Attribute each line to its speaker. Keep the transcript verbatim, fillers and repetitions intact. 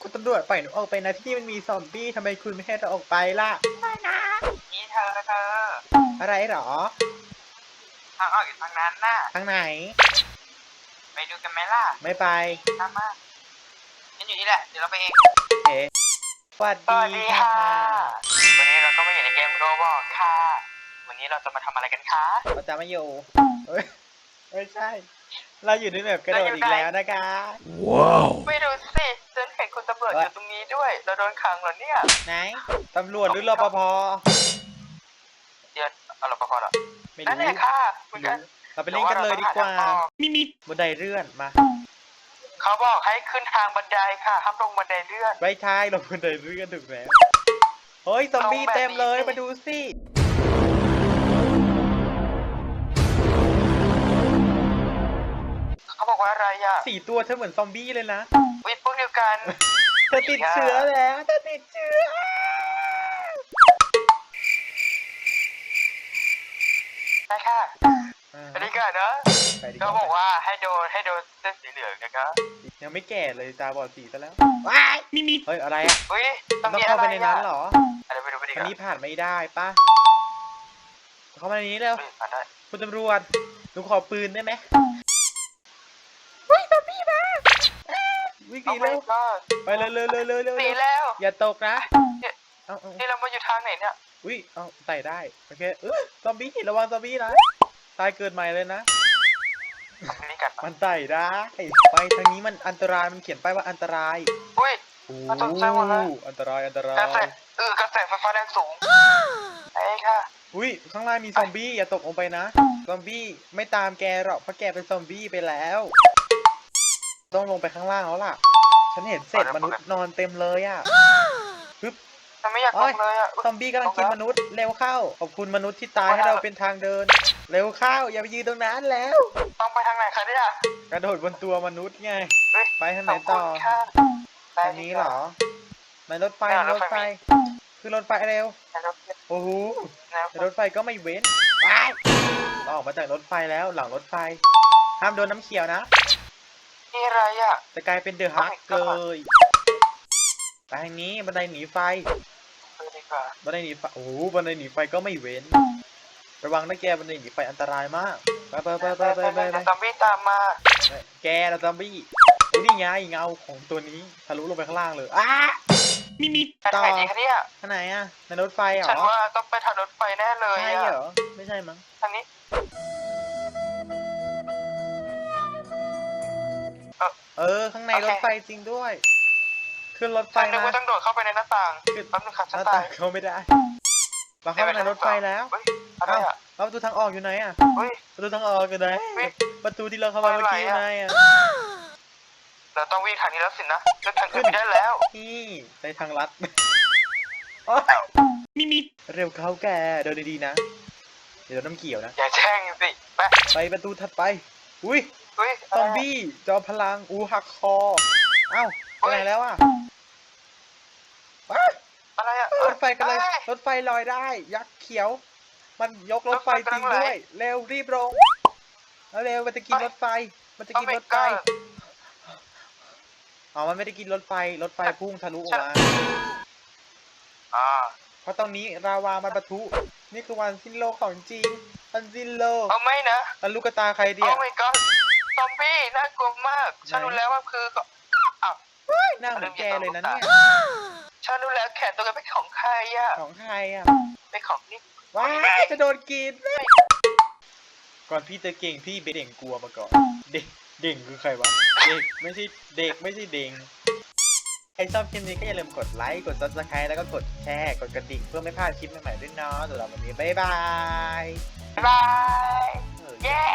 Speaker 1: คุณตำรวจปล่อยหนูออกไปนะที่มันมีซอมบี้ทำไมคุณไม่ให้เราออกไปล่ะไม่นะ
Speaker 2: นี่เธอเธอ
Speaker 1: อะไรหรอ
Speaker 2: ทางออกอยู่ทางนั้นน่ะ
Speaker 1: ทางไหน
Speaker 2: ไปดูกันไหมล่ะ
Speaker 1: ไม่ไป
Speaker 2: ตามมาฉันอยู่นี่แหละ เดี๋ยวเราไปเอง
Speaker 1: เอ๋สวัส
Speaker 2: สวัส
Speaker 1: ดี
Speaker 2: ดี
Speaker 1: ค่ะ
Speaker 2: ค่ะ วันนี้เราก็มาอยู่ในเกมโรบอกค่ะ วันนี้เราจะมาทำอะไรกันคะ
Speaker 1: เราจะมาอยู่เอ้ยไม่ใช่ เราอยู่ในแบบกระโดดอีกแล้วนะคะ
Speaker 2: ไม่ดูสิฉันเห็นคุณตำรวจอยู่ตรงนี้ด้วย เราโดนขังเหรอเนี่ย
Speaker 1: ไหนตำรวจหรือรปภ
Speaker 2: เดี๋ยวเอาเราพอเหรอ
Speaker 1: ไม่
Speaker 2: นั่น
Speaker 1: รู้
Speaker 2: แหละค่ะคุณกัน
Speaker 1: เราไปเล่นกันเลยดีกว่า
Speaker 2: เดี๋ยเรต้องหทงออก
Speaker 1: มิมิบันไดเลื่อนมา
Speaker 2: เขาบอกให้ขึ้นทางบันไดค่ะห้ามลงบันไดเลื่อน
Speaker 1: ไม่ใช่เราบันไดเลื่อนถูกแล้วเฮ้ยซอมบี้เต็มเลยมาดูสิ
Speaker 2: เขาบอกว่าอะไรอ่ะ
Speaker 1: สี่ตัวเธอเหมือนซอมบี้เลยนะ
Speaker 2: วิพวกเดียวกัน
Speaker 1: เธอติดเชื้อแล้วเธอติดเชื้อ
Speaker 2: ใช่ค่ะ
Speaker 1: อ่า
Speaker 2: อันนี้ก่อนนะ
Speaker 1: ไปดี
Speaker 2: เขาบอกว่าให้โดนให้โดนเส้นสีเหลืองนะครับ
Speaker 1: ยังไม่แก่เลยตาบอดสีซะแล้วว้ายมิมิเฮ้ยอะไรอ่ะ
Speaker 2: อุ้ย
Speaker 1: ต้
Speaker 2: ต้
Speaker 1: อ
Speaker 2: อง งมี
Speaker 1: เข้า
Speaker 2: อะไร
Speaker 1: ไปในนั้นเหรอ
Speaker 2: อะไรไปดูไปดี
Speaker 1: อั
Speaker 2: กัน น
Speaker 1: นี้ผ่านไม่ได้ปะเข้ามาในนี้เร็ว
Speaker 2: ผ่านได้
Speaker 1: คุณตำรวจหนูขอปืนได้ไหมเฮ้ยซอมบี้มาวิ่งห
Speaker 2: เอา
Speaker 1: นี
Speaker 2: ไป
Speaker 1: เร็ว
Speaker 2: ก็
Speaker 1: ไปเร็วเร็วเร็วเร็วเร็ว
Speaker 2: สีแล้ว
Speaker 1: อย่าตกนะ
Speaker 2: เนี่ย
Speaker 1: เอาเอา
Speaker 2: นี่เรามาอยู่ทางไหนเนี่ย
Speaker 1: อุ้ยเอาใส่ได้โอเคเออซอมบี้ระวังซอมบี้นะตายเกิดใหม่เลยนะ
Speaker 2: เอาอันนี้กัน
Speaker 1: มันใส่ได้ไปทางนี้มันอันตรายมันเขียนป้ายว่าอันตราย
Speaker 2: อุ้ย
Speaker 1: โอ้
Speaker 2: มันตกใจหมดเลย
Speaker 1: อันตรายอันตราก
Speaker 2: ระแส
Speaker 1: ย
Speaker 2: เออกระแสไฟฟ้าแรงสูงไอ้ค่ะ
Speaker 1: อุ้ยข้างล่างมีซอมบี้อย่าตกลงไปนะซอมบี้ไม่ตามแกหรอกเพราะแกเป็นซอมบี้ไปแล้ว ต้องลงไปข้างล่างแล้วล่ะ ฉันเห็นเศษมนุษย์นอนเต็มเลยอ่ะปึ๊บ
Speaker 2: ฉันไม่อยากลงเลยอ่ะ
Speaker 1: ซอมบี้กำลังกินมนุษย์เร็วเข้าขอบคุณมนุษย์ที่ตายให้เราเป็นทางเดิน เร็วเข้าอย่าไปยืนตรงนั้นแล้ว
Speaker 2: ต้องไปทางไหนคะเนี่ย
Speaker 1: กระโดดบนตัวมนุษย์ไง
Speaker 2: เฮ้ย
Speaker 1: ไปทางไหนต่อ
Speaker 2: ขบคุณค่ะ
Speaker 1: ทางนี้เหรอในรถไฟ
Speaker 2: เนี่ย
Speaker 1: ในรถไฟ
Speaker 2: รถไฟ
Speaker 1: คือรถไฟเร็ว
Speaker 2: นะครับ
Speaker 1: โอ้โห
Speaker 2: นะครับ
Speaker 1: แต่รถไฟก็ไม่เว้นไปเราออกมาจากรถไฟแล้วหลังรถไฟ ห้ามโดนน้ำเขียวนะ
Speaker 2: นี่อะไรอ่ะ
Speaker 1: จะกลายเป็นเดอะฮักเลยไปทางนี้บันไดหนีไฟ
Speaker 2: ไปดีกว่า
Speaker 1: บันไดหนีไฟ โอ้โหบันไดหนีไฟก็ไม่เว้น ระวังนะแกบันไดหนีไฟอันตรายมาก ไปไปไปไปไปไปไป
Speaker 2: เดี๋ยวซอมบี้ตามมา
Speaker 1: แกเราซอมบี้โอ้นี่ไงเงาของตัวนี้ทะลุลงไปข้างล่างเลยอ้ามีมี
Speaker 2: ไปทางไหนดีคะเนี่ย
Speaker 1: ข้างไหนอะในรถไฟเหรอ
Speaker 2: ฉันว่าต้องไปทางรถไฟแน่เลย
Speaker 1: ใช่
Speaker 2: อ่ะ
Speaker 1: เหรอ ไม่ใช่มั้ง
Speaker 2: ทางนี้
Speaker 1: เออ ข้างใน
Speaker 2: โอเค
Speaker 1: รถไฟจริงด้วย ขึ้นรถไฟ
Speaker 2: ฉันนึก
Speaker 1: นะ
Speaker 2: ว่าต้องโดดเข้าไปในหน้าต่าง
Speaker 1: ขึ้น
Speaker 2: แป๊บนึงค่ะ
Speaker 1: ห
Speaker 2: ฉัน
Speaker 1: น้า
Speaker 2: ตา
Speaker 1: ต่าย งเข้าไม่ได้ เราเข้ามาในรถไฟแล้ว
Speaker 2: เฮ้ยอะไร
Speaker 1: เอ้า
Speaker 2: อ่ะ
Speaker 1: แล้วประตูทางออกอยู่ไหนอะ
Speaker 2: เฮ้ย
Speaker 1: ประตูทางออกอยู่ไหน
Speaker 2: เฮ้ย
Speaker 1: ประตูที่เราเข้ามาเมื่อกี้อยู่ไหนอะ
Speaker 2: เราต้องวิ่งทางนี้แล้วสินะเลือกทางอื่นไม่ได้แล้ว
Speaker 1: นี่ในทางลัดโอ๊ยมีมีเร็วเข้าแกเดินดีๆนะ เดี๋ยวน้ำเกี่ยวนะ
Speaker 2: อย่าแช่งสิไป
Speaker 1: ไปประตูถัดไป อุ้ย
Speaker 2: เฮ้ย
Speaker 1: ซอมบี้จอมพลังอูหักคอ เอ้าไปไหนแล้วอะว้าย
Speaker 2: อะไรอ่ะ
Speaker 1: รถไฟกันเลย
Speaker 2: อ้
Speaker 1: รถไฟลอยได้ ยักษ์เขียว มันยกรถไฟจริงด้วย เร็วรีบลงแล้วเร็วมันจะกินรถไฟ มันจะกินรถไฟ อ๋อ มันไม่ได้กินรถไฟ รถไฟพุ่งทะลุออกมา
Speaker 2: อ่า
Speaker 1: เพราะตอนนี้ราวามันปะทุ นี่คือวันสิ้นโลกของจริง วันสิ้นโลก
Speaker 2: เอาไม่นะ
Speaker 1: แล้วลูกกระตาใครเดี
Speaker 2: โอ้
Speaker 1: ย
Speaker 2: my god ซอมบี้น่ากลัวมาก ฉันรู้แล้วว่าคือก็อ้าว
Speaker 1: หน้าเหมือนแกเลยนะเนี่ย
Speaker 2: ฉันรู้แล้วแขนตัวกันเป็นของใครอ่ะ
Speaker 1: ของใครอ่ะ
Speaker 2: เป็นของนี่
Speaker 1: ว้ายจะโดนกิน ก่อนพี่จะเก่งพี่เป็นเด่งกลัวมาก่อน เด็กเด่งคือใครวะ เด็กไม่ใช่เด็กไม่ใช่เด่งใครชอบคลิปนี้ก็อย่าลืมกดไลค์ กด ซับสไครบ์ แล้วก็กดแชร์ กดกระดิ่งเพื่อไม่พลาดคลิปใหม่ๆด้วยเนาะสำหรับวันนี้บ๊ายบาย
Speaker 2: บ๊ายบาย เย้